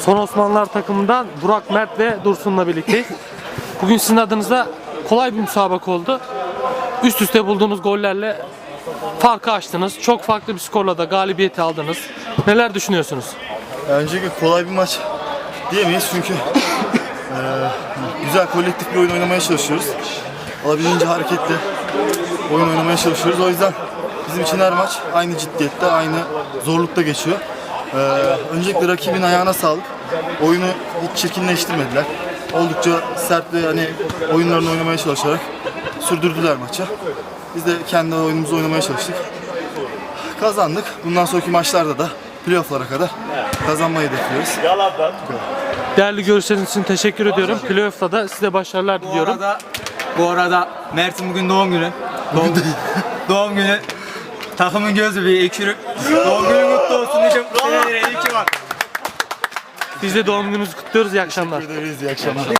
Son Osmanlılar takımından Burak, Mert ve Dursun'la birlikteyiz. Bugün sizin adınıza kolay bir müsabaka oldu. Üst üste bulduğunuz gollerle farkı açtınız. Çok farklı bir skorla da galibiyeti aldınız. Neler düşünüyorsunuz? Öncelikle kolay bir maç diyemeyiz çünkü güzel kolektif bir oyun oynamaya çalışıyoruz. Olabildiğince hareketli oyun oynamaya çalışıyoruz. O yüzden bizim için her maç aynı ciddiyette, aynı zorlukta geçiyor. Öncelikle rakibin ayağına sağlık. Oyunu hiç çirkinleştirmediler. Oldukça sert ve oyunlarını oynamaya çalışarak sürdürdüler maçı. Biz de kendi oyunumuzu oynamaya çalıştık. Kazandık. Bundan sonraki maçlarda da playoff'lara kadar kazanmayı hedefliyoruz. Değerli görüşleriniz için teşekkür ediyorum. Playoff'ta da size başarılar diliyorum. Bu arada Mert'in bugün doğum günü. Doğum günü. Takımın gözü bir ekşürük. Doğum günü mutlu olsun diyeceğim. Senelere iyi ki var. Biz de doğum gününüzü kutluyoruz. İyi akşamlar. Teşekkür ederiz. İyi akşamlar.